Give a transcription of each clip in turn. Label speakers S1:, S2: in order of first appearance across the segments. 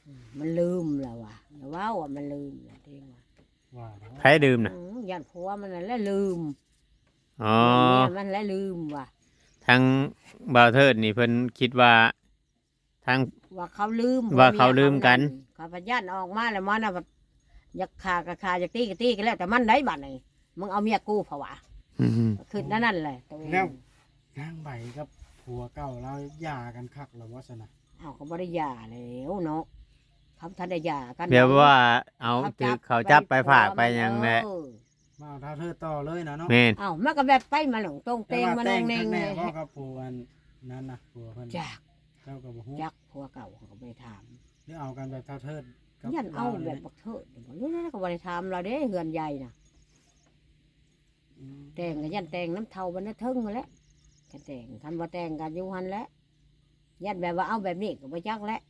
S1: มันลืมแล้วว่ะแล้วว่ามันลืมแล้วเองว่า
S2: ไผดื่มน่ะ
S1: ยันผัวมันนั่นแหละลืม
S2: อ๋อ
S1: เนี่ยมันแล้วลืมว่ะ
S2: ทางบ่าวเทิดนี่เพิ่นคิดว่าทาง
S1: ว่าเขาลืม
S2: ว่าเขาลืมกัน
S1: เขาพยันออกมาแล้วมันน่ะแบบอยากฆ่าก็ฆ่าอยากตีก็ตีกันแล้วแต่มันได้บัดนี่มึงเอาเมียกูเพราะว่า
S2: อืม
S1: คือนั่นแหละตัวเอง
S3: แล้วนางใบกับผัวเก่าเราหย่ากันคักแล้วว่าซะนะ
S1: เอาก็บ่ได้หย่าแล้วเนาะเขาทันได้หย่ากัน
S2: เดี๋ยวว่าเอาถือเขาจับไปฝากไปหยังแหละ
S3: มาเอาเท่าเธอต่อเลยนะเนาะ
S2: แม่น
S1: เอามันก็แบบไปมาหลงตรงเตงมาแนงเนง
S3: แน่
S1: เลย
S3: ว่ากับผัวอันนั้นนะผัวเพิ่น
S1: จัก
S3: เจ้าก็บ่ฮู้
S1: จักผัวเก่าเขาก็ไปถาม
S3: หรือเอากันแบบเท่าเธอกับ
S1: ยันเอา
S3: ร
S1: แบบบักเถิดนี่นั่นก็บ่ได้ถามเราเด้เฮือนใหญ่น่ะ
S3: อืม
S1: แต่งก็ยันแต่งน้ำเท่าบันทึงมาแหล้วกันแต่งคันว่าแต่งกันอยู่หันแหล้วยันแบบว่าเอาแบบนี้ก็บ่จักแล้ว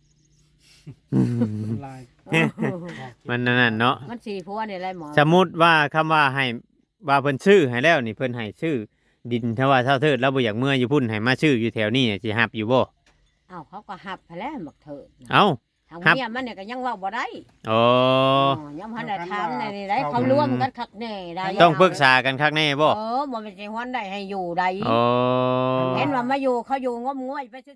S3: ลาย
S2: มันนั่นเนาะ
S1: มันสีผัวนี่แหละหมอ
S2: สมมุติว่าคำว่าให้ว่าเพิ่นชื่อให้แล้วนี่เพิ่นให้ชื่อ ดินถ้าว่าเท่าเทิดแล้วบ่อยากเมื่ออยู่พุ่นให้มาชื่ออยู่แถวนี้สิฮับอยู่บ่
S1: เอาเขาก็หับไปแล้วบักเถิดน่ะ
S2: เอ้า
S1: ทาง
S2: หับ
S1: เมียมันเนี่ยก็ยังเว่าบ่ได้
S2: อ๋อ
S1: ยังพันได้ถามในนี่ได้เขาร่วมกันคักแน่ได้
S2: ต้องปรึกษากันคักแน่บ่
S1: บ่เป็นสิฮอนได้ให้อยู่ได้
S2: อ๋อ
S1: เห็นว่ามาอยู่เขาอยู่งมงวยไปซื่อ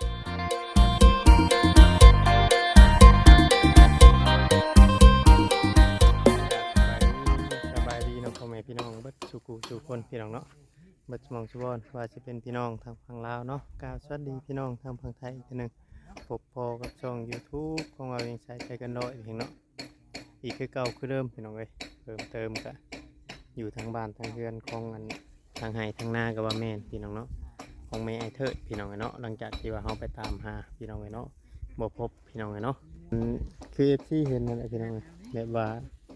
S2: สบายดีเนาะพ่อแม่พี่น้องเบิดสุขุสุคนพี่น้องเนาะเบิดสมองสุบอนว่าจะเป็นพี่น้องทางฝั่งลาวเนาะกล่าวสวัสดีพี่น้องทางฝั่งไทยอีกทีหนึงพบพอกับช่อง YouTube ของเราเองใช้ใจกันดอยเพียงเนาะอีกคือเก่าคือเดิมพี่น้องเอ้ยเพิ่มเติมก็อยู่ทางบ้านทางเรือนของอันทางไห้ทางนากับว่าแม่นพี่น้องเนาะของแม่ไอเทิดพี่น้องเอ้ยเนาะหลังจากที่ว่าเฮาไปตามหาพี่น้องเอ้ยเนาะบ่พบพี่น้องเอ้ยเนาะคือที่เห็นนั่นแหละพี่น้องเอ้ยแบบว่า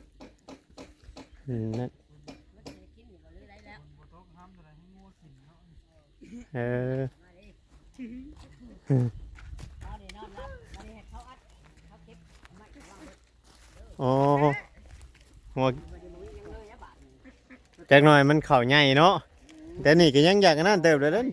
S2: นั่นเออโอ้หัวจากหน่อยมันเข่าใหญ่เนาะแต่นี่ก็ยังอยากอันนั่นเติบเลยเด้อ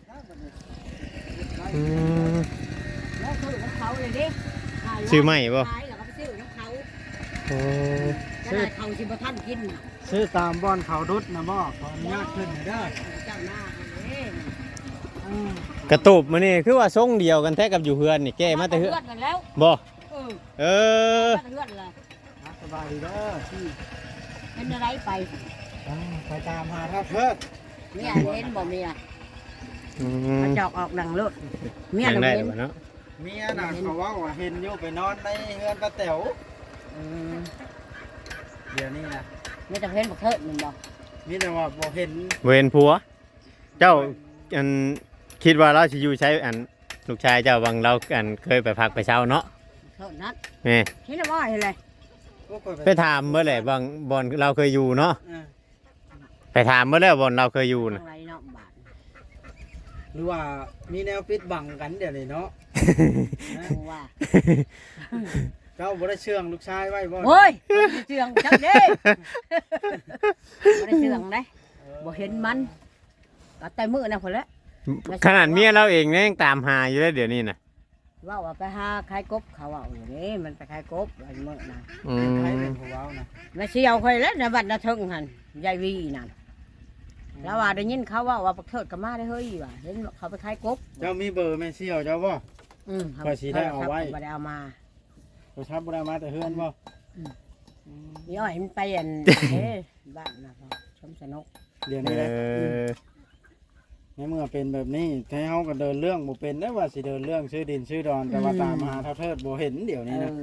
S2: อืม
S1: ๆแล้วคือของเขาเลยดิ
S2: ชื่อใหม่บ่
S1: ขายแล้วก็ไปซื้อของเขา
S2: โอ้
S1: จะได้เขาสิบ่ทันกินน่ะ
S3: ซื้อตามบ่อนเขาดุดนะบ่ขออนุญาตขึ้นหน่อยเด้อ
S1: เจ้าหน้าเอาเอง
S3: อืม
S2: กระตูบมานี่คือว่าทรงเดียวกันแท้กับอยู่เฮือนนี่แก้มาแต่เฮือน
S1: กันแล้ว
S2: บ่
S1: เออ
S2: เออ
S1: เพื่อนเลย
S3: สบายดีเด้อที่
S1: เป็นอะไรไป
S3: ไปตามหาเท่าเธอ
S1: เมียเห็นบ่เมีย
S2: อื
S1: มั
S2: ม
S1: นจอกออกดังรถเมีย
S2: ยัง
S1: น่ะ
S2: ได้
S1: เห็น
S2: บ่เนาะ
S3: เมียน่ะเขาว่าว่าเห็นอยู่ไปนอนในเฮือนป้าแต๋ว
S1: อืม
S3: เดี๋ยวนี้นะ
S1: ไม่ต้องเห็นบักเทิดมันบ่
S3: มีแต่ว่าบ่เห็น
S2: เวรผัว เจ้าอันคิดว่าเราสิอยู่ใช้อันลูกชายเจ้าบางเราอันเคยไปพักไปเช่าเนาะ
S1: เทิดนัด
S2: แม่
S1: เห็นว่าเห็นเลย
S3: พวกคน
S2: ไปถามเมื่อไหร่บางบอนเราเคยอยู่เนาะ
S3: เออ
S2: ไปถามเมื่อไหร่บอนเราเคยอยู่
S1: อะ
S2: นะ
S1: ไรเนาะบาด
S3: หรือว่ามีแนวปิดบังกันเดี๋ยวนี้เนาะ นะ
S1: กูว่า
S3: เจ้าบ่ได้เชื่องลูกชายไว้บ่
S1: โอ้ยบ่ได้เชื่องจังเด้บ่ได้เชื่องเด้บ่เห็นมันก็แต่มื้อน่ะพุ่นแหละ
S2: ขนาดเมียเราเองเนี่ยยังตามหาอยู่เลยเดี๋ยวนี้นะ
S1: ว่าไปหาขายกบเขาเอาอยู่นี่มันไปขายกบไอ้มื้อน่ะ
S2: อื
S3: เป็นไผ
S2: ม
S3: เป็นผู้เว้านะ
S1: มาเชียวค่อยแล้วในบัดนาทึงหั่นยายวีนั่นแล้วว่าได้ยินเขาว่าบักเทิดก็มาได้เฮ้ยว่าเห็นเขาไปขายกบ
S3: เจ้ามีเบอร์แม่เสี่ยวเจ้าบ่ ข้อยสิได้เอาไว้
S1: บ่ได้เอามา
S3: โทรศัพท์บ่ได้มาแต่เฮือนบ่
S1: อืม นี่อ้อยมันไปอัน เอ้บ้านนะพ่อชมสนุก
S3: เดี๋ยว
S2: เอ
S3: นี้แหละ
S2: อ
S3: ในเมื่อเป็นแบบนี้ถ้าเฮาก็เดินเรื่องบ่เป็นได้ว่าสิเดินเรื่องชื่อดินชื่อดอนแต่ว่าตามหาเท่าเทิดบ่เห็นเดี๋ยวนี้นะ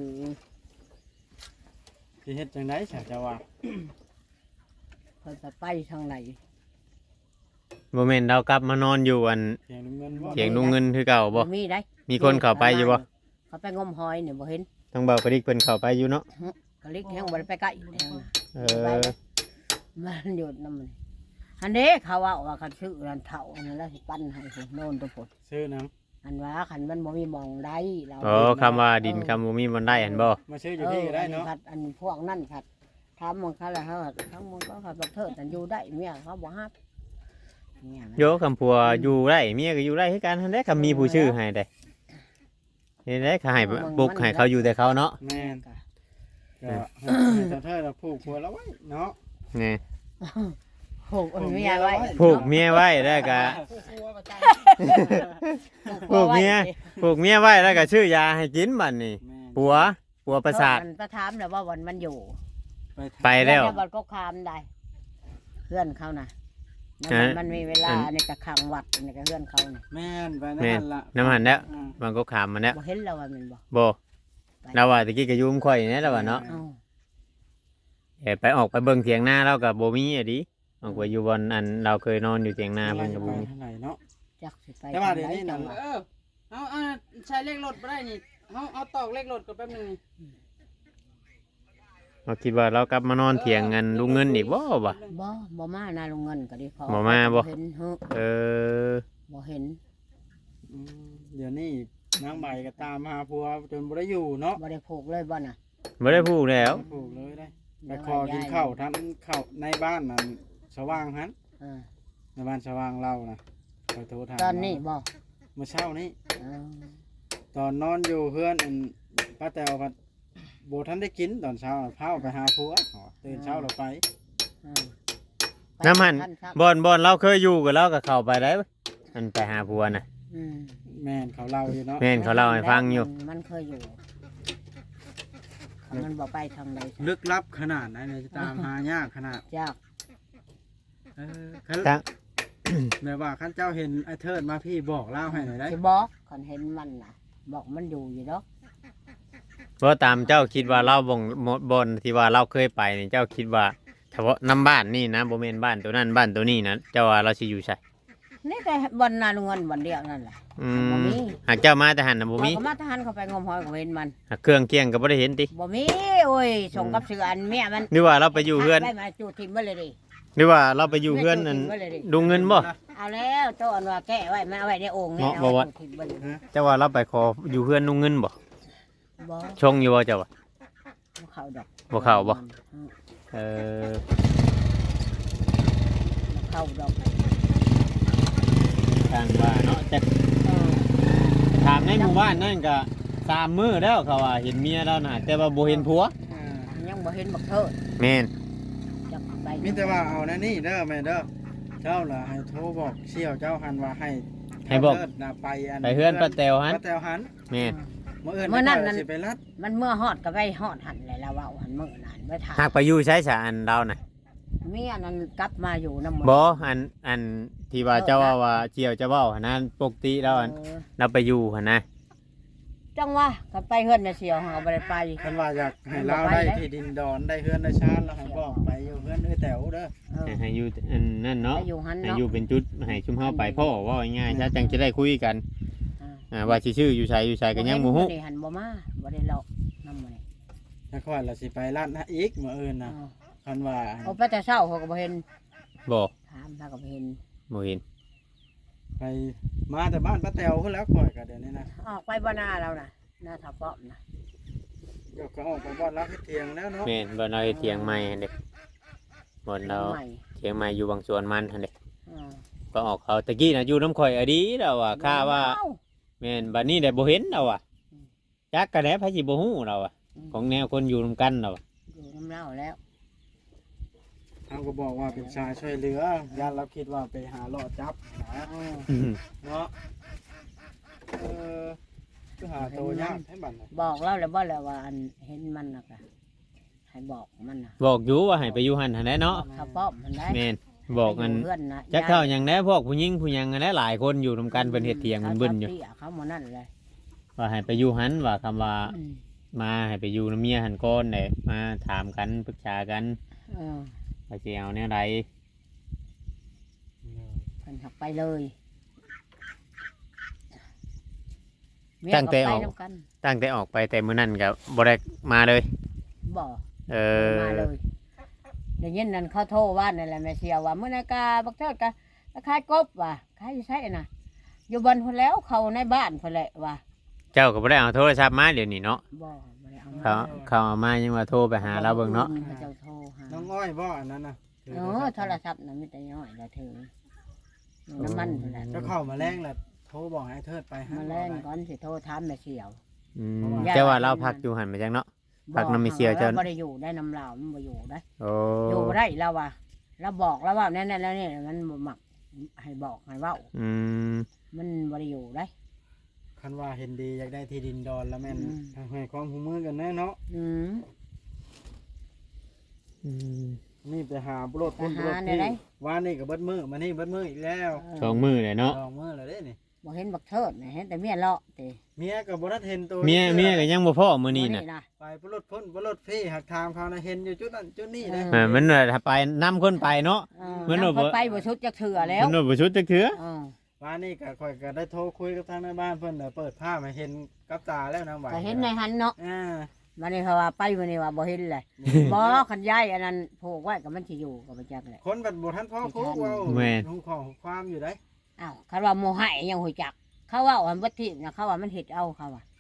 S3: สิเฮ็ดจังได๋ซะเจ้าว่า
S1: เพิ่นจะไปทางไหน
S2: โมเมนต์เรากลับมานอนอยู่อัน
S3: เสียงเงินบ่
S2: เถียงลุงเงินคือเก่าบ่
S1: มีได้
S2: มีคนเข้าไปอยู่บ่
S1: เขาไปงมหอยเนี่ยบ่เห็น
S2: ต้องเบากระดิกเพิ่นเข้าไปอยู่เนาะ
S1: กะลิกแห้งบ่ได้ไปใกล้แห้งน่ะ
S2: เอ
S1: ไป
S2: อ
S1: เลยมันหยุดน้ำมันอันนี้เขาว่าเขาชื่อรันเถ่าอันนั้นแล้วสิปั้นให้สิโน่นตัวผล
S3: ซื้อหนัง
S1: อันว่าคันมันบ่มีหมองได้เรา
S2: โอ้คำว่าดินคำบ่มีมันได้อันบ่
S3: มาซื้ออยู่พี่ก็ได้เนาะ
S1: ผัดอันพวกนั่นผัดทำมันเขาแล้วเขาทั้งมันก็ผัดบักเทิดอันอยู่ได้เมียเขาบ่ฮับเนี่ยมัน
S2: โยคำพัวอยู่ได้เมียก็อยู่ได้คือกันทันได้คำมีผู้ชื่อให้ได้เห็นได้เขาให้ปลุกให้เขาอยู่แต่เขาเนาะ
S3: แม่นก็ให้เจ้าเทิดผูกหัวแล้วไว้เนาะ
S2: นี่
S1: ผูกเมียไว้
S2: ผูกเมียไว้แล้วก็ผูกเมียไว้แล้วก็ชื่อยาให้กินบัดนี้
S3: แม่น
S2: ปัวประสาท
S1: มันประถามแล้วว่าวันมันอยู่
S2: ไปแล้ว
S1: วันก็คามได้เพื่อนเขานะมันมีเวลาในกระคังวัดในกระเพื่อนเขาเนี่ย
S3: แม่นไป
S2: แม่
S3: นั่
S2: น
S3: นล่ะ
S2: น้ำหันแล้ว
S3: อ่า
S2: มันก็ขามมันแล้ว
S1: บ่เห็นเราว่ามันบ่
S2: บ่เราว่าตะกี้ก็อยุ่มข่อยนี่แล้วว่าเนาะ
S1: เอ้า
S2: ไปออกไปเบิ่งเถียงนาเราก็บ่มีอะดิออกไปอยู่บนอันเราเคยนอนอยู่เถียงนา
S3: อะไร
S2: เพิ่นก็
S3: ไป
S2: บ่มี
S3: เท่าไหร่เนาะ
S1: จักสิไป
S3: แต่ว่าเดี๋ยวนี้
S1: จั
S3: นั่
S1: ง
S3: น
S1: หวะ
S4: เอาใช้เลขรถบ่ได้นี่เอาตอกเลขรถก็แป๊บนึงนี่
S2: เราคิดว่าเรากลับมานอนเถียงกันลุงเงินอีกบ่บ่
S1: บ่มานาลงเงินก็ดีพอ
S2: บ่มาบ่
S1: เห็นเฮ้อ
S2: เออ
S1: บ่เห็น
S3: เดี๋ยวนี้นางใบก็ตามหาผัวจนบ่ได้อยู่เนาะ
S1: บ่ได้ผูกเลยบ่น่ะ
S2: บ่ได้พูดแล้ว
S3: ผูกเลยได้ไปคอกินข้าวทั้งข้าวในบ้านนั่นสว่างหัน
S1: เออ
S3: ในบ้านสว่างเรานะไปโทรถาม
S1: ตอนนี้บ่
S3: เมื่อเช้านี้
S1: เออ
S3: ตอนนอนอยู่เพื่อนอันป้าแตวพัดโบทันได้กินตอนเช้าน่ะพาออกไปหาผัวตื่นเช้าเราไป
S1: เออ
S2: น้ำหัน
S1: ท่ครับ
S2: บ่อนเราเคยอยู่กับเราก็เข้าไปได้มันไปหาผัวน่ะ
S1: อืม
S3: แม่นเขาเล่าอยู่เนาะ
S2: แม่นเขาเล่าให้ฟังอยู่
S1: มันเคยอยู่มันบ่ไปทางใด
S3: ลึกลับขนาดไหนเนี่ยจะตามหายากขนาด
S1: ยาก
S3: คัน
S2: ทั้ง
S3: แบบว่าขั้นเจ้าเห็นไอ้เทิดมาพี่บอกเล่าให้หน่อยได้
S1: สิบอกคันเห็นมันน่ะ บอกมันอยู่อยู่ดอก
S2: เพราะตามเจ้าคิดว่าเราบ่อนที่ว่าเราเคยไปนี่เจ้าคิดว่าเฉพาะน้ำบ้านนี่นะบ่แม่นบ้านตัวนั้นบ้านตัวนี้นะเจ้าว่าเราสิอยู่ไส
S1: นี่แต่บ่อนนาลงเงินบ่อนเดียวนั่นแหละ
S2: อื
S1: บ่
S2: ม
S1: มี
S2: หากเจ้ามาแต่หันน่ะบ่มี
S1: ก็มาทหารเข้าไปงมหอยก็เห็นมัน
S2: หากเครื่องเคียงก็บ่ได้เห็นติ
S1: บ่มีโอ้ยส่งกับเสืออันเมียมัน
S2: หรือว่าเราไปอยู่เฮือน
S1: ได้มาจูดทิมไว้เลยดิ
S2: หรือว่าเราไปอยู่เฮือนนั่นลุงเงินบ่
S1: เอาแล้วโตอันว่าแก้ไว้มันเอาไว้ในโอ่งนี่
S2: เนาะบ่ว่า
S1: จูดทิมไว้เลย
S2: เจ้าว่าเราไปขออยู่เฮือนลุงเงินบ่
S1: บ่
S2: ชงอยู่บ่เจ้าว่า
S1: บ่เข้าดอก
S2: บ่เข้าบ่
S1: อืม
S2: เออ
S1: บ่เข้าดอก
S2: ทางว่าเนาะแต่
S1: เออ
S2: ถามในหมู่บ้านนั่นก็3มื้อแล้วเขาว่าเห็นเมียแล้วน่ะแต่ว่าบ่เห็นผัว
S1: ยังบ่เห็นบักเทิด
S2: แม่น
S1: จักไป
S3: มีแต่ว่าเอานะนี่เด้อแม่เด้อเจ้าล่ะให้โทรบอกเสี่ยวเจ้าหันว่าให้
S2: ให้บอก
S3: เทิดน่ะไปอัน
S2: ไปเฮือนป้าแตวหัน
S3: ป้าแตวหัน
S2: แม่น
S3: มื้ออื่น
S1: เมื่อนั้นนั่น
S3: สิไปรัด
S1: มันเมื่อฮอดก็ไปฮอดหันเลยแล้วว่าหันมื้อนั้นไปถาม
S2: หากไปอยู่ใช้สาอันเราน่ะ
S1: เมียนั้นกลับมาอยู่นำหมด
S2: บ่อันที่ว่าเจ้าว่าเจียวเจ้าเว้าหั่นนะปกติแล้วอัน
S1: เออ
S2: เราไปอยู่หั่นนะ
S1: จังว่ากันไปเฮือนน่ะเสียวหาบ่ได้ไป
S3: คันว่าอยากให้เราได้ที่ดินดอนได้เฮือนได้ชานแล้วให้บอกไปอยู่เฮือนเอ้ยแตวเด้อ
S1: เออ
S2: ให้อยู่อันนั่นเนาะ
S1: ไปอยู่หัน
S2: ให้
S1: เนาะ
S2: อยู่เป็นจุดให้ชุมเฮาไปพ่อว่าง่ายๆซะจังจะได้คุยกัน
S1: อ่า
S2: ว่าสิชื่ออยู่ไสอยู่ไสก็ยังบ่ฮู้
S1: บ่ได้หันบ่มาบ่ได้เลาะนำมื้อนี้
S3: แล้วค่อยเราสิไปรัดนะอีกมื้ออื่นน่ะ
S1: เออ
S3: คันว่า
S1: เอาไปแต่เช้าเขาก็บ่เห็น
S2: บ่
S1: ถามเขาก็บ่เห็น
S2: บ่เห็น
S3: ไปมาแต่บ้านป้าแตวขึ้นแล้วค่อยก็เดี๋ยวนี้นะ
S1: ออกไปบ่หน้าแล้วน่ะหน้าทับป้อมน่ะ
S3: เดี๋ยวก็ออกไปบ้านรักที่เทียงแล้วเนาะ
S2: แม่นบ่เราเฮ็ดเถียงใหม่หั่นเด้บ่เรา
S1: ใหม่
S2: เถียงใหม่อยู่บางส่วนมันหั่นเด้
S1: เออ
S2: ก็ออกเขาตะกี้น่ะอยู่น้ำข่อยอดีแล้วว่าค่าว่า
S1: เอ้
S2: แม่นบัดนี้ได้บ่เห็นแล้วอ่ะ
S1: อืม
S2: จักกะแดไผสิบ่ฮู้เราอ่ะของแนวคนอยู่นํกันเราอะ
S1: อยู่น้ำเล่าแล้ว
S3: เขาก็บอกว่าเป็นชายช่วยเหลือญาติเราคิดว่าไปหาเลาะจับนะ
S1: เออ
S3: เนาะเออก็หาตัวยากให้บัดน่ะ
S1: บอกเราแล้วบ่แล้วว่าอันเห็นมันน่ะก็ให้บอกมันน่ะ
S2: บอกอยู่ว่าให้ไปอยู่หั่นหั่นแหละเนาะ
S1: ทับป้อมมันได้
S2: แม่นบอกกัน
S1: เพื่อนนะ
S2: จักเท่าหยังแน่พวกผู้หญิงผู้หยังกันแน่หลายคนอยู่นํกันเพิ่นเฮ็ดเถียงเบิ่นๆอยู่
S1: เขาหมดนั่นเลย
S2: ว่าให้ไปอยู่หั่นว่าคำว่า
S1: อืม
S2: มาให้ไปอยู่นํเมียหั่นก่อนได้มาถามกันปรึกษากัน
S1: เออ
S2: ว่าสิเอาแนวใด
S1: เพิ่นหักไปเลย
S2: ตั้งแต่ออก
S1: เมียก็ไปนำกัน
S2: ตั้งแต่ออกไปแต่มื้อนั้นก็บ่ได้มาเลย
S1: บ่
S2: เออ
S1: มาเลยเดี๋ยวนี้นั่นเขาโทรว่านั่นแหละแม่เสียว่ามื้อนากาบักเทิดกะขายกบว่ะขายอยู่ไสน่ะ อยู่บนพุ่นแล้วเขาในบ้านพุ่นแหละว่ะ
S2: เจ้าก็บ่ได้เอาโทรศัพท์มาเดี๋ยวนี้เนาะ
S1: บ่บ่ได้เอามา
S2: เขาเอามายังว่าโทรไปหาเราเบิ่งเนาะ
S1: เขาเจ้าโทรหา
S3: น้องอ้อยบ่อันนั้นน่ะ
S1: โทรศัพท์น่ะมีแต่น้อยละถึงน้ำมันพุ่นแหละ
S3: เจ้าเข้ามาแรงแหละโทรบอกให้เทิดไปหา
S1: มาแล่นก่อนสิโทรถามแม่เสียว
S2: อืมเจ้าว่าเราพักอยู่หันมาจังเนาะ พักน้ำไม่เสียวเจ้า
S1: บ่ได้อยู่ได้น้ำลาวมันบ่อยู่ได้
S2: โอ้
S1: อยู่บ่ได้แล้วว่ะเราบอกแล้วว่าแน่ๆแล้วนี่มันบ่มักให้บอกให้เว้า
S2: อืม
S1: มันบ่ได้อยู่ได้
S3: คันว่าเห็นดีอยากได้ที่ดินดอนแล้วแม่น
S1: อืม
S3: ให้ความหูมือกันแน่เนาะ
S1: อืม
S2: อืม
S3: นี่ไปหาบุรถพุ่น
S1: ไป
S3: บุ
S1: หาร
S3: ถ
S1: เนี่ย
S3: ที่
S1: ได้
S3: ว่านี่ก็เบิดมือมานี่เบิดมืออีกแล้ว
S2: สองมือเลยเนาะ
S3: สองมือแล้วเด้นี่
S1: บ่เห็นบักเทิดนะเห็นแต่เมียเลาะติ
S3: เมียก็บ่ทันเห็นตัว
S2: เมียก็ยังบ่พอมื้อนี้น่ะ
S3: ไปบุรถพุ่นบุรถพี่หักทางเขานะเห็นอยู่จุดนั้นจุดนี้นะ
S2: มันว่าถ้าไปนํคนไปเนาะ
S1: มัน
S2: บ่
S1: บ่ไปบ่ชุดจักเถื่อแล้ว
S2: มันบ่ชุดจักเทื่อ
S1: เออ
S3: ว่านี่ก็ค่อยก็ได้โทรคุยกับทางในบ้านเพิ่นน่ะเปิดภาพให้เห็นกับตาแล้วนางไหว
S1: ก็เห็นในหันเนาะ
S3: อ่า
S1: มันนี่เขาว่าไปมื้อนี้ว่าบ่เห็นเลยบ่คันย้ายอันนั้นผูกไว้ก็มันสิอยู่ก็บ่จักแหละ
S3: คนบัดบ่ทันพ่อคุกเว้าหูของความอยู่ได้
S1: อ้าวคันว่าโมหะยังหูจัก เขาว่าอันบ่ทินะเขาว่ามันเฮ็ดเอาเขาว่า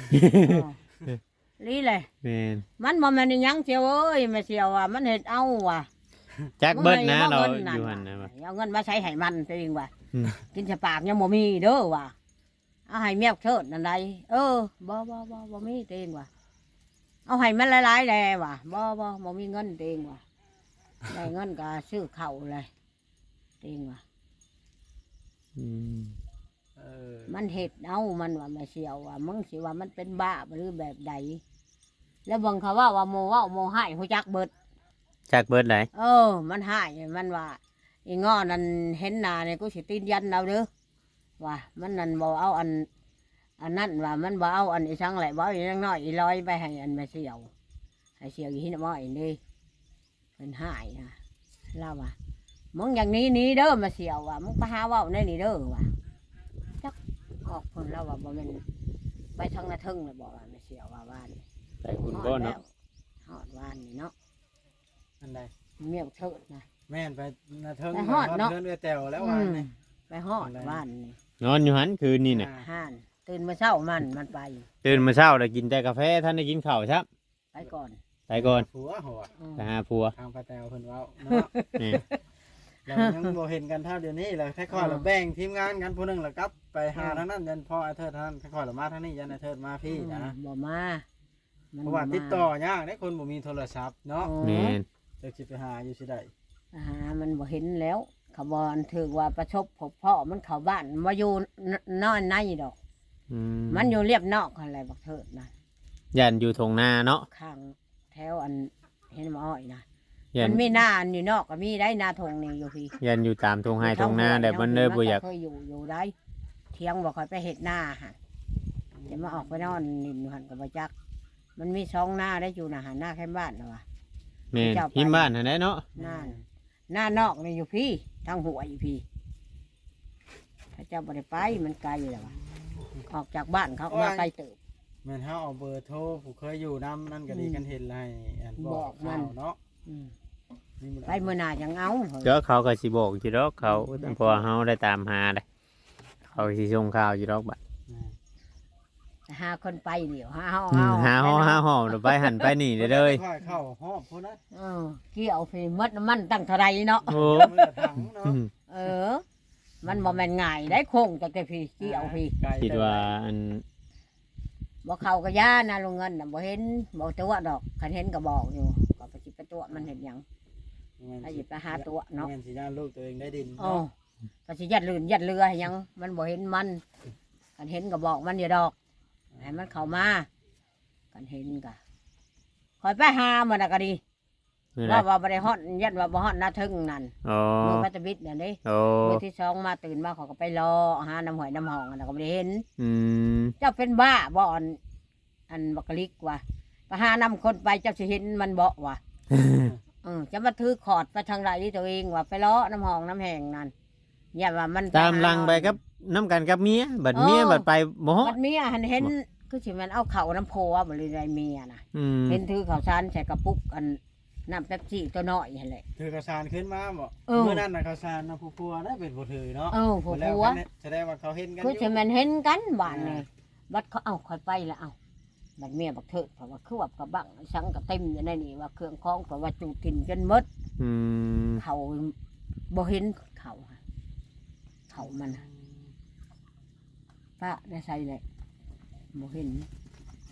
S1: ลีเลย
S2: แม่น
S1: มันบ่แม่นอิหยังเสียวเอ้ยแม่เสียวว่ามันเฮ็ดเอาว่ะ
S2: จักเบิดนะ
S1: มึง
S2: เรา
S1: ให้
S2: อยู่
S1: เงิ
S2: หั่น
S1: น
S2: นะว่า
S1: เอาเงินมาใช้ให้มันตัวเองว่ะ
S2: อืม
S1: กินสปากยังบ่มีเด้อว่ะเอาให้แมวเทิดนั่นใดบ่มีตัวเองว่ะเอาให้มันหลายๆแลว่ะบ่มีเงินตัวเองว่ะได้เงินก็ซื้อข้าวเลยตัวเองว่ะ
S2: อืม
S3: เออ
S1: มันเห็ดเอามันว่าแม่เสียวว่ามึงสิว่ามันเป็นบ้าหรือแบบใดแล้วเบิ่งเขาว่าโมหายหูจักเบิด
S2: จักเบิดไหน
S1: มันหายมันว่าอีงอนั่นเห็นหน้าเนี่ยกูสิตีนยันเราเด้อว่ามันนั่นบ่เอาอันนั่นว่ามันบ่เอาอันอีสังแหละบ่เอาอีนังน้อยอีลอยไปให้อันแม่เสียวให้เสียวอีหินม้อยนี่เป็นหายนะเล่าว่ามึงอย่างนี้หนี้เด้อแม่เสียวว่ามึงไปหาเว้าในนี่เด้อว่า ออกคนเราว่าบ่แม่นไปทางนาทึ่งเลยบอกว่าไม่เสียว่าว่าน
S2: ไปคุณบ่เนาะ
S1: ฮอดว่านนี่เนาะ
S3: อันใด
S1: เมียเถิดนะ
S3: แม่นไปนาเทิง
S1: ไปฮอดเนาะ
S3: เทิงเอื้อแตวแล้วว่านี่
S1: ไปฮอดว่านนี่
S2: นอนอยู่หันคืนนี่น่ะ
S1: ห่านตื่นมาเช้ามันไป
S2: ตื่นมาเช้าแล้วกินแต่กาแฟท่านได้กินข้าวครับ
S1: ไปก่อน
S2: ไปก่อน
S3: ผัวหัว
S1: อืม
S2: ไปหาผัว
S3: ทางปลาแตวเพิ่นเว้าเนาะ
S2: นี่
S3: เรายังบ่เห็นกันเท่าเดี๋ยวนี้เลยค่อยๆเราแบ่งทีมงานกันผู้หนึงแล้วกลับไปหาทางนั้นยันพ่อไอ้เทิดทางนั้นค่อยๆเรามาทางนี้ยันไอ้เทิดมาพี่นะ
S1: บ่มามัน
S3: เพราะว่าติดต่อยากได้คนบ่มีโทรศัพท์เนาะ
S2: แม่น
S3: จะสิไปหาอยู่สิได้
S1: มันบ่เห็นแล้วเขาบอนถือว่าประชบพบพ่อมันเข้าบ้านมาอยู่นอนในดอก
S2: อื
S1: มันอยู่เรียบนอกอะไรบักเถิดนะ
S2: ยันอยู่ทงนาเนาะ
S1: ข้างแถวอันเห็นหมออ้อยนะ
S2: ยั
S1: มัน นมีหน้าอันอยู่นอกก็มีได้หน้าทงนี่อยู่พี่
S2: ยันอยู่ตามทงไห้ทงนาแต่มันเลยบ่อยาก
S1: เคยอยู่ได้เที่ยงบอกคอยไปเห็ดหน้าฮะจะมาออกไปนอนนินหันกับจัก มันมีช่องหน้าได้อยู่นะหันหน้าแค่บ้านนะวะ
S2: แม่นพิมพ์บ้านหั่นแหละเนาะ
S1: หน้านอกนี่อยู่พี่ทางหัวอยู่พี่พระเจ้าบริไปมันไกลอยู่แล้ววะออกจากบ้านเขาก็มาไกลเติบ
S3: แม่นเฮาเอาเบอร์โทรผู้เคยอยู่นำนั่นก็ดีกันเห็นไรอันบอก
S1: มัน
S3: ข่าวเนาะ
S1: อืม
S3: นี่มัน
S1: ไปเมื่อหนาจังเอา
S2: เดี๋ยวเขาก็สิบอกอยู่ดอกเขาเพอเฮาได้ตามหาได้เขาสิส่งข่าวอยู่ดอกบัด
S1: หาคนไปเดี๋ยวหาเฮา
S2: หาหอมไปหันไปนี่เด้อเลย
S3: ค่อยเข้าหอบพุ่นนะ
S1: เกี่ยวไปมดน้ำมันตั้งเท่าไรเนาะ
S2: โอ้
S3: มือถังเนาะ
S1: มันบ่แม่นง่ายได้โค้งจากแต่พี่เกี่ยวพี่
S3: ไกล
S2: คิดว่าอัน
S1: บ่เข้าก็ย่านะลุงเงินน่ะบ่เห็นบ่ตัวดอกคันเห็นก็บอกอยู่ก็ไปสิไปตัวมันเห็นหยังถ้าสิไปหาตัวเนาะ
S3: แม่นสิย่านลูกตัวเองได้ดิน
S1: อ๋อ
S3: เนาะ
S1: ก็สิยัดลื่นยัดเรือให้หยังมันบ่เห็นมันคันเห็นก็บอกมันอย่าดอกให้มันเข้ามาคันเห็นก็คอยไปหามันน่ะก็ดี
S2: นี่แห
S1: ว่า
S2: ละ
S1: ว่าบ่ได้ฮอดยันว่าบ่ฮอดหน้าทึ่งนั่น
S2: โอ้
S1: มือพัตบิดนั่นเด้
S2: โอ้
S1: มือที่สองมาตื่นมาเขาก็ไปรอหาน้ำหอยน้ำหองอันนั้นก็บ่ได้เห็น
S2: อืม
S1: เจ้าเป็นบ้าบ่อันบักกะลิกว่ะไปหานำคนไปเจ้าสิเห็นมันบ่ว่ะจะมาถือขอดไปทางไรที่ตัวเองว่ะไปล้อน้ำหองน้ำแห้งนั่นอย่าว่ามัน
S2: ตามหลังไปกับน้ำกันกับเมียบัดเมียบัดไปบ่ฮอ
S1: บั
S2: ด
S1: ดเมียหันเห็นคือสิมันเอาเข่าน้ำโพว่าบ่เลยได้เมียน่ะ
S2: อืม
S1: เห็นถือข้าวสารใส่กระปุกอันน้ำเป๊ปซี่ตัวน้อยหั่นแหละ
S3: ถือกระสานขึ้นมาบ่
S1: เออ
S3: เมื่อนั้นน่ะกระสานนะผู้พัวได้เป็นผู้ถือเนาะ
S1: ผัว
S3: แล้ว
S1: ผัว
S3: กันเนี่ยแสดงว่าเขาเห็นกันอ
S1: คือยู่ สิมันเห็นกันบ้านนี่บัดเขาเอาคอยไปแล้วเอาบัดเมียบักเถิดเพราะว่าคือว่ากระบังสังกระเต็มอยู่ในนี่ว่าเครื่องคล้องเพราะว่าจูกินจนหมด
S2: อืม
S1: เขาบ่เห็นเขาค่ะเขามันน่ะป้าได้ใส่เลยบ่เห็น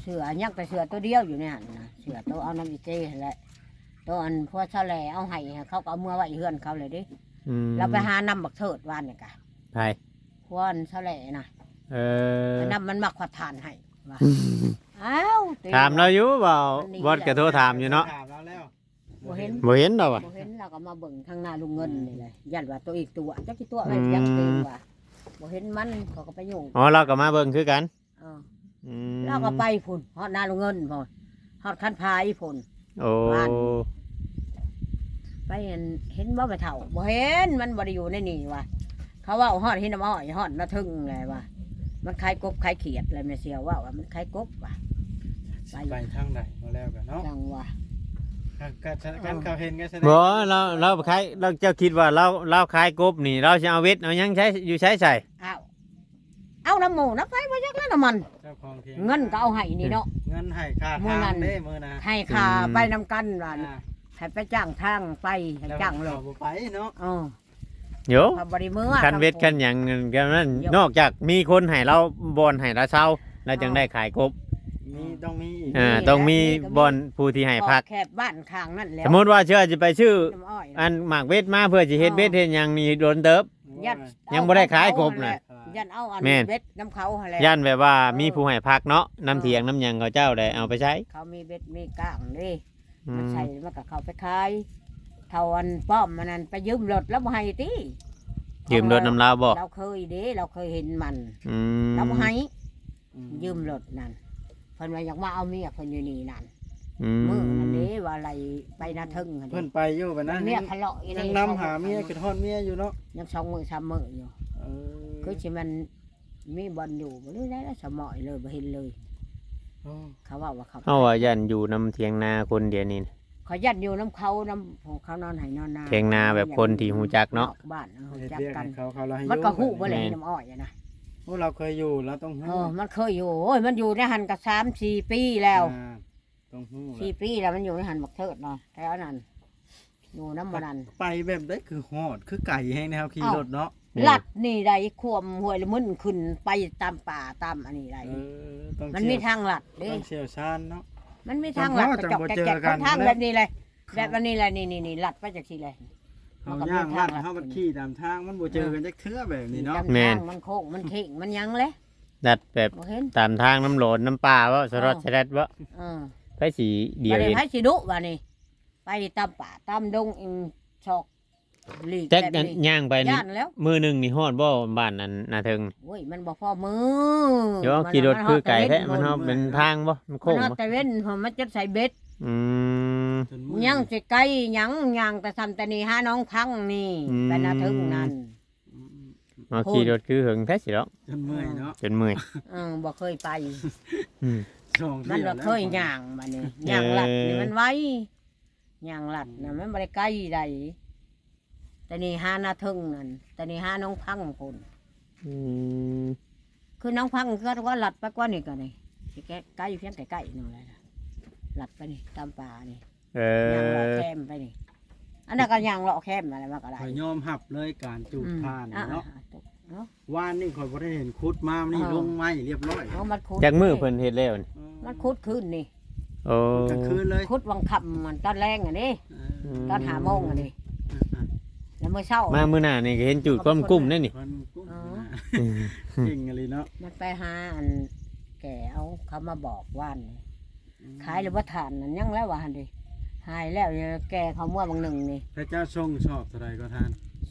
S1: เสือยังแต่เสือตัวเดียวอยู่ในหันนะเสือตัวเอาน้ำอีเจ้แหละตัวอันพวกชาวแหล่เอาให้เขาก็เอาเมื่อไว้เฮือนเขาเลยดิ เราไปหานำบักเถิดวานเนี่ยกะ
S2: ไผ
S1: พวกอันชาวแหล่นะ นำมันมักขวัดทานให้ว่าอ้าวตี
S2: ถามเราอยู่เปล่าบอสก็โทรถามอยู่เนาะ
S3: ถามเราแล้ว
S1: บ่เห็น
S2: บ่เห็นดอกว่ะ
S1: บ่เห็นเราก็มาเบิ่งทางหน้าลุงเงินนี่เลยยันว่าตัวอีกตัวจักกี่ตัวอะไรยังเต็มว่าบ่เห็นมันเขาก็ไปยุ่ง
S2: อ๋อเราก็มาเบิ่งคือกัน
S1: เออ
S2: อืม
S1: เราก็ไปพุ่นฮอดหน้าลุงเงินพุ่นฮอดคันพายพุ่น
S2: โอ้
S1: บ้าน ไปเห็นบ่ไปเฒ่าบ่เห็นมันบ่ได้อยู่ในนี่ว่ะเขาว่าฮอดเห็นน้ำอ้อยฮอดนาทึ่งเลยว่ะมันคล้ายกบคล้ายเขียดเลยแม่เสียวว่ามันคล้ายกบว่ะ
S3: ไปทางใดมาแล้วกันเนาะ
S1: จังว่า
S3: กันเขาเห็นกันแสดง
S2: บ่เราขายเราเจ้าคิดว่าเราขายกบนี่ เราสิเอาเวทเอาหยังใช้อยู่ใช้ใส่
S1: เอาน้ำหมูน้ำไฟมาจากนั้นน้ำมัน
S3: เจ้าของเทีย
S1: เงินก็เอาให้นี่เนาะ
S3: เงินให้ค่า
S1: มื้อนั้
S3: ทาง
S1: น
S3: เด้มื้อนะ
S1: ให้ค่าไปนำกันว่า
S3: อ่า
S1: ให้ไปจ้างทางไปให้จ้างเล
S3: เรา
S1: ย
S3: บ่ไปเนาะ
S2: โย
S1: พอบริมือ
S2: คันเวทคันหยังกันนั้นนอกจากมีคนให้เราบอนให้เราเช่าเราจึงได้ขายกบ
S3: ต้องมีอีก
S2: ต้องมีบอนผู้ที่ให้พัก
S1: แคบบ้านข้างนั่นแหล้ว
S2: สมมติว่าเชื่อจะไปชื่อ
S1: น้ำอ้อย
S2: อันหมากเวทมาเพื่อจะเฮ็ดเวทเฮ็ดหยังนี่โดนเติบ
S1: ยัด
S2: ยังบ่ได้ขายกบน่ะ
S1: ยันเอาอัน
S2: แม่น
S1: เบ็ดน้ำเขาหั่นแหละ
S2: ย่านแบบว่ามีผู้ให้พักเนาะน้ำเถียงน้ำหยังเขาเจ้าได้เอาไปใช้
S1: เขามีเบ็ดมีก้างนี่
S2: อื
S1: มัน
S2: ม
S1: ใส่มันก็เข้าไปขายเท่าอันป้อมมันนั่นไปยืมรถแล้วบ่ให้ติ
S2: ยืมรถน้ำลาวบ่
S1: เราเคยเด้เราเคยเห็นมัน
S2: อืม
S1: เราบ่ให้ยืมรถนั่นเพิ่นว่าอยากมาเอาเมียเพิ่นอยู่นี่นั่น
S2: อื
S1: มือนั่น
S2: ม
S1: เด้ว่าอะไรไปนาทึ่งหั่น
S3: เพิ่
S1: เด้
S3: นไปอยู่บัดนั้น
S1: เมียทะเลาะอี
S3: ยังนำหาเมียคือทอดเมียอยู่เนาะ
S1: ยัง2 มื้อ 3 มื้ออยู่
S3: เออ
S1: คือสิมันมีบอลอยู่บ่ได้แล้วสมอยเลยบ่เห็นเลย
S3: โอ้
S1: เขาว่าเขา
S2: เอาว่าย่านอยู่น้ำเถียงนาคนเดียวนี่นะ
S1: เขายัดอยู่น้ำเขาน้ำของเขานอนให้นอนนา
S2: เถียงนาแบบคนที่ฮู้จักเนาะ
S1: บ้านฮู้
S3: เฮ็ด
S1: จัก
S3: เรียก
S1: กั
S3: ให้
S1: น
S3: เขาเราให้อยู่
S1: มันก็ฮู้บ่เลย
S2: แม่น
S1: น้ำอ้อยอะนะ
S3: โอ้เราเคยอยู่เราต้อง
S1: เอ
S3: ฮู้
S1: อมันเคยอยู่โอ้ยมันอยู่ในหันก็3-4 ปีแล้ว
S3: อ่าต้องฮู้
S1: 4 ปีแล้วมันอยู่ในหันบักเทิดเนาะแถวนั้นอยู่น้ำบ่นั้น
S3: ไปแบบได้คือฮอดคือไก่แห้งนะครับขี่รถเนาะ
S1: ลัดนี่ได้ควมห้วยละมึนขึ้นไปตามป่าตามอันนี้ได้
S3: ต้อง
S1: มันมีทางลัดเด้
S3: ต้องเชี่ยวชาญเนาะ
S1: มันมีทางลัด
S3: จั
S1: กระ
S3: ง
S1: จอก
S3: บ่
S1: แกะ
S3: เจอ
S1: แกะ
S3: กัน
S1: ทางแบบนี้เลยแบบอันนี้เลยนี่ลัดไปจากที่เลย
S3: เขาย่างลัดเขาบัดขี่ตามทางมันบ่เจอกันจักเทื่อแบบนี้เนาะ
S2: แม่น
S1: มันโค้งมันเข่งมันยังเลย
S2: ดัดแบบ
S1: บ่เห็น
S2: ตามทางน้ำโหลนน้ำปลาว่าสรดสลัดว่า
S1: เออ
S2: ไปสีเดียว
S1: ไป
S2: เอง
S1: ไผสิดุว่านี่ไปตามป่าตามดงอิงชอกหลีก
S2: แจ็ค
S1: แบบ
S2: นั้น
S1: นี้
S2: ย่างไปนี่
S1: ย่านแล้ว
S2: มือหนึ่งนี่ฮอดบ่บ้านนั้นนาเทิง
S1: โอ้ยมันบ่พอมือ
S2: เดี๋ยวขี่รถคือไก่แท้มันฮอดเป็นทางบ่มัน
S1: มั
S2: โค้
S1: น
S2: ง
S1: ฮอด
S2: บ่
S1: แต่เว้นเพราะมันจะใส่เบ็ด
S2: อืม
S3: จนมื้อ
S1: ยังสิไกลยังยังแต่ทำแต่นี่หาน้องพังนี่
S2: อืม
S1: ไปนาถึงนั่น
S2: เอาขี่รถคือหึงแท้สิเนาะ
S3: จนเมื่อยเนาะ
S2: จนเมื่อย
S1: บ่เคยไป
S2: อืม
S3: สอง
S1: มัน
S3: เที่ยว
S1: บ่
S3: แล้ว
S1: เคยย่างมานี่ย่างลัดนี่มันไว้ย่างลัดน่ะมันบ่ได้ไกลใดแต่นี่หานาถึงนั่นแต่นี่หาน้องพังพุ่น
S2: อืม
S1: คือน้องพังก็ว่าหลัดไปกว่านี่ก็นี่สิแกใกล้เพียงใกล้ๆนู่นแหละนะหลัดไปนี่ตามป่านี่
S2: เอ
S1: ย่างเลาะ
S2: อ
S1: แคมไปนี่อันนั้นก็ย่างเลาะแคมอะไรมาก็ได้
S3: ข่อยยอมหับเลยการจูบผ่าน
S1: อ่
S3: เนาะ
S1: เนาะ
S3: ว่านนี่ข่อยบ่ได้เห็นคุดมานี่ลงไม้เรียบร้อย
S1: เอามันคุด
S2: จากมือเพิ่นเฮ็ดแล้วนี่
S1: มันคุดขึ้นนี่
S2: โอ้
S3: กลางคืนเลย
S1: คุดวังค่ำมันตอนแรงอ่ะนี่ตอน5 โมงอ่ะนี่แล้วมื้อเช้า
S2: มามื้อหน้านี่ก็เห็นจุดก้มกุ้มนั่นนี่
S3: คนกุ้ง
S1: อ๋อ
S3: เก่งอะไรเนาะ
S1: มันไปหาอันแก่เอาเขามาบอกว่านนี่ขายหรือว่าทานนั่นยังแล้วว่าหั่นดิหายแล้วเนี่ยแก่เขาเมื่อบางหนึ่งนี่
S3: พระเจ้าทรงชอบเท่าไรก็ทาน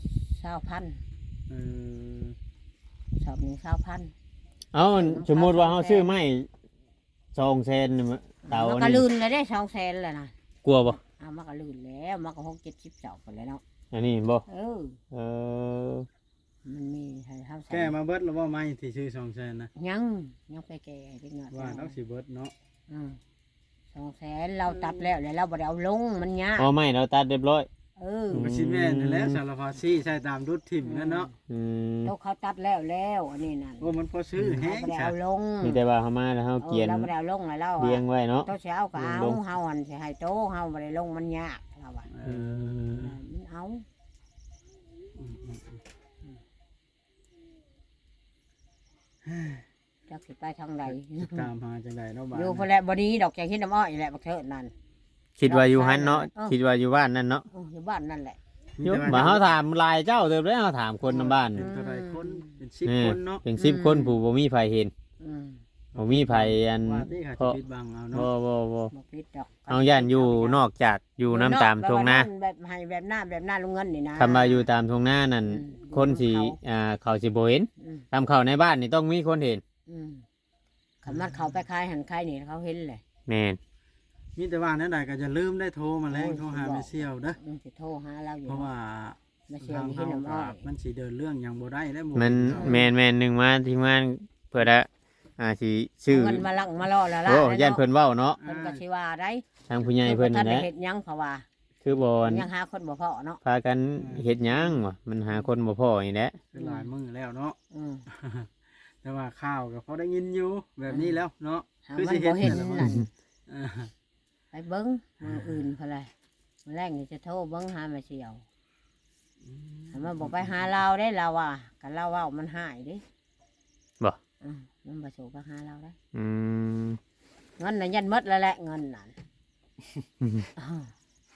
S1: 20,000
S3: เออ
S1: ชอบ1 20,000
S2: เอ้าสมมุติว่าเฮาซื้อไม้2เซนนี่เตา
S1: มันก็
S2: นี่
S1: ลื่นเลยได้200,000เลยนะ
S2: กลัวบ่
S1: มันก็ลื่นแล้วมันก็60-70เสาไปแล้วเนาะ
S2: อันนี้บ่
S1: เออ
S2: เออ
S1: มันมีให้เฮาใส่
S3: แก้มาเบิดแล้วว่าไม้ที่ชื่อ200,000นะ
S1: ยังไปแก่เล็กน้อย
S3: ว่าต้องสิเบิดเนาะ
S1: 200,000เราตัดแล้วแล้วเราบ่ได้เอาลงมันยาก
S2: เอาไม้เราตัดเรียบร้อย
S1: เออ
S3: ก็สิแม่นนั่นแหล้วสารพัดซี่ใช้ตามดุดถิ่มนั่นเนาะ
S2: อืม
S1: แล้วเขาตัดแล้วอันนี้นั่น
S3: โอ้มันพอซื้อแห้
S1: เรา
S3: ง
S1: บ่ได้
S3: จ้ะ
S1: เอาลง
S2: มีแต่ว่าเฮามาแล้วเฮาเกียน
S1: เราบ่ได้เอาลงเลยเรา
S2: เรียงไว้เนาะ
S1: โตเช้าก็เอา
S2: ลง
S1: เฮาอันสิให้โตเฮาบ่ได้ลงมันยากเราว่า
S3: เออ
S1: มันเอา
S3: อ
S1: จักสิไปทางใด
S3: ตามหาจังไดเนาะบ้าน
S1: อยู่พอแหละบ่นี้ดอกแกงเฮ็ดน้ำอ้อยแหละบักเถิดนั่น
S2: คิดว่าอยู่หันเนาะ
S1: เออ
S2: คิดว่าอยู่บ้านนั่นเนาะ
S1: อยู่บ้านนั่นแหละ
S2: อยู่บ่เฮาถามลายเจ้าเด้อเด้อเฮาถามคนนำบ้าน
S3: เป็
S2: นี่
S3: นเท่าไรคนเป็น
S2: เออ
S3: 10คนเนาะ
S2: เป็น10คนผู้บ่มีไผเห็น
S1: อืม
S2: บ่มีไผอัน
S3: ว่าที่เขา
S2: เพ
S3: จะ
S2: ราะ
S3: ปิดบังเอา
S2: บ่
S3: เนาะ
S2: บ่บ่
S1: บ่ปิดดอก
S2: เอาย่านอยู่นอกจากอยู่น้ำตามทงนา
S1: แบบให้แบบหน้าลุงเงินนี่นะ
S2: คำว่าอยู่ตามทงนานั่น
S1: อืม
S2: คนสิเขาสิบ่เห็น
S1: อืม
S2: ตามเข้าในบ้านนี่ต้องมีคนเห็น
S1: อืมคันมันเขาไปขายหันขายนี่เขาเห็นเลย
S2: แม่น
S3: มีแต่ว่าแนั่นใดก็จะลืมได้โทรมาแล้ง
S1: โอ้ย
S3: โทรหา
S1: สิบอก
S3: แม่เสี่ยวเด้อ
S1: สิโทรหาเราอยู่
S3: เพราะว่า
S1: มาเชีย
S3: ทาง
S1: นี่
S3: เฮา
S1: เฮ็ดน้ำอ้
S3: ก็
S1: อย
S3: มันสิเดินเรื่องหยังบ่ได้แล้วห
S2: มันแม่นหนึงมาที่งานเพื่อละสิชื่อ
S1: เงินมาลังมาล่อละล่ะ
S2: โอ้
S1: แล้ว
S2: ย่าน
S1: เนาะ
S2: เพิ่นเว้าเนาะ
S1: เพิ่นก็สิว่าได้
S2: ทางผู้ใหญ่เพิ่น
S1: ท่า
S2: นั่น
S1: น
S2: แห
S1: ได้
S2: ละ
S1: เฮ็ดหยังเพราะว่า
S2: คือบ่
S1: ยังหาคนบ่พอเนาะ
S2: พากันเฮ็ดหยังวะมันหาคนบ่พอนี่แหละ
S3: คือหลายมื้อแล้วเนาะ
S1: อืม
S3: แต่ว่าข่าวก็พอได้ยินอยู่แบบนี้แล้วเนาะ
S1: หา
S3: คือ
S1: มั
S3: สิ
S1: น
S3: เฮ็
S1: บ่
S3: ด
S1: เห็น
S3: นั่นแหละ
S1: นั่น
S3: เออ
S1: ไปเบิ่งมืออื่นเพนเลยมื้อแรกนี่จะโทรเบิ่งหามาเชียวถ้ามันบอกไปหาเราได้เราอ่ะกันเราเว้ามันหายเดิ
S2: บ่
S1: มันบ่โชไปหาเราได้
S2: อืม
S1: เงินน่ะยันหมดแล้วแหละเงินนั่นอ้าว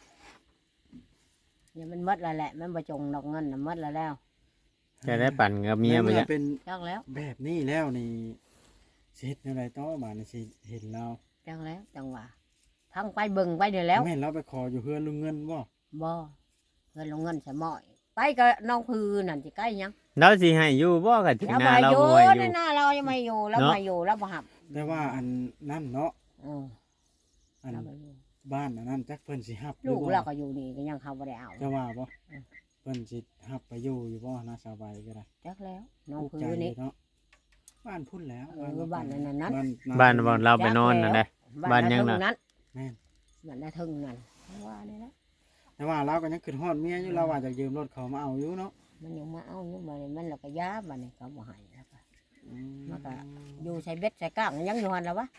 S1: อย่ามันหมดแล้วแหละมันบ่จงดอกเงินน่ะหมดแล้ว
S2: จะได้ปั่นกับเมียบ่
S3: มื่
S2: จ้ะ
S3: เป็น
S1: จักแล้ว
S3: แบบนี้แล้วนี่สิเฮ็ดแนวใดต่อมานี่สิเห็นเรา
S1: จังแล้วจังหวะทั้งไปเบิ่งไปนี่แล้ว
S3: แม่นเราไปขออยู่เฮือนลุงเงินบ่
S1: บ่เงินลงเงินใส่หม้อยไปก็น้องพือนั่นสิใกล้ยัง
S2: เราสิให้อยู่บ่ก็ถึง
S1: แล้ว
S2: หน้า
S1: มา
S2: เรา
S1: อยู่
S2: บ่ให้อ
S1: ใน
S2: ยู่
S1: หน้าเรายังไม่อยู่แล้ว
S2: เนาะ
S1: มาอยู่แล้วบ่หับ
S3: แต่ว่าอันนั่นเนาะ
S1: อือ
S3: อัน
S1: แล้วบ่อยู่
S3: บ้านอันนั้นจักเพิ่นสิฮับหรื
S1: ลู
S3: อก บ่
S1: เราก็อยู่นี่ก็ยังเขาบ่ได้เอา
S3: จะว่าบ่
S1: อืม
S3: เพิ่นสิฮับไปอยู่บ่น่าสบายก็ได้
S1: จักแล้วน้อง
S3: ถูก
S1: พื
S3: ใจ
S1: อ
S3: อยู่
S1: นี่
S3: เนาะบ้านพุ่นแล้ว
S1: เออบ้านนั้นนั้น
S2: บ้านบ่เราไปนอนนั่นแหละ บ้านยังน่ะ
S1: นั้น
S3: แม่น
S1: บ้านนาทึงนั่นว่านี่แหละ
S3: แต่ว่าเราก็ยังขึ้นฮอดเมียอยู่เราว่าจะยืมรถเขามาเอาอยู่เนาะ
S1: มันยังมาเอาอยู่มานี่มันแล้วก็ยาบัดนี้เขาบ่ให้แล้วก็
S3: อื
S1: มันก็ อยู่ใส่เบ็ดใส่ก้างยังอยู่หั่นแล้ววะ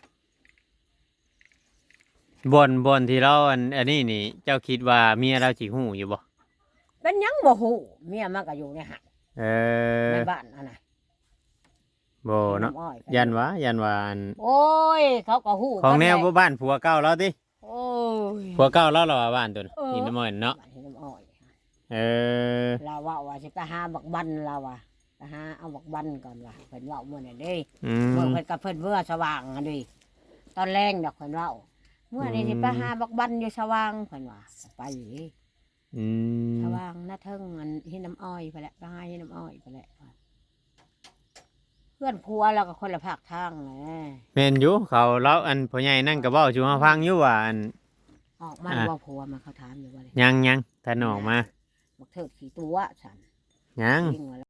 S2: บ่อนที่เราอันนี้นี่ เจ้าคิดว่าเมียเราสิฮู้อยู่บ่
S1: เป็นหยังบ่ฮู้เมียมันก็อยู่ในหัน
S2: เออ
S1: ในบ้านอันน่ะ
S2: บ่เนาะ
S1: ำอ้อยก็
S2: ยันว่าอัน
S1: โอ้ยเขาก็ฮู้
S2: ของแนว
S1: กั
S2: บ่บ้านผัวเก่าเราติ
S1: โอ้ย
S2: ผัวเก่าเราว่าบ้านตัวน่ะ
S1: เออ
S2: หินน้ำมันเนาะ
S1: บ้านที่น้ำอ้อย
S2: เออ
S1: เราว่าสิไปหาบักบันเราว่าไปหาเอาบักบันก่อนว่าเพิ่นเว้ามื้อนั้นเด้
S2: อื
S1: เมื่อ
S2: ม
S1: เพิ่นกับเพิ่นเมื่อสว่างอันนี้ตอนแรงดอกเพิ่นเว้าเมื่อนี้สิไปหาบักบันอยู่สว่างเพิ่นว่าไปอยู่ดิ
S2: อืม
S1: สว่างหน้าเทิงอันเฮ็ดน้ำอ้อยไปแหละไปหาเฮ็ดน้ำอ้อยไปแหละเพื่อนผัวเราก็คนละภาคทางแหละ
S2: แม่นอยู่เขาเราอันพ่อใหญ่นั่นก็เว้าสู่เฮาฟังอยู่ว่าอัน
S1: ออกมา
S2: อ่า
S1: ว่าผัวมาเขาถามอยู่ว่าเลย
S2: ยังถ้าน้องมา
S1: บอกเถิดขี่ตัวฉัน
S2: ยัง
S1: ยิงว่า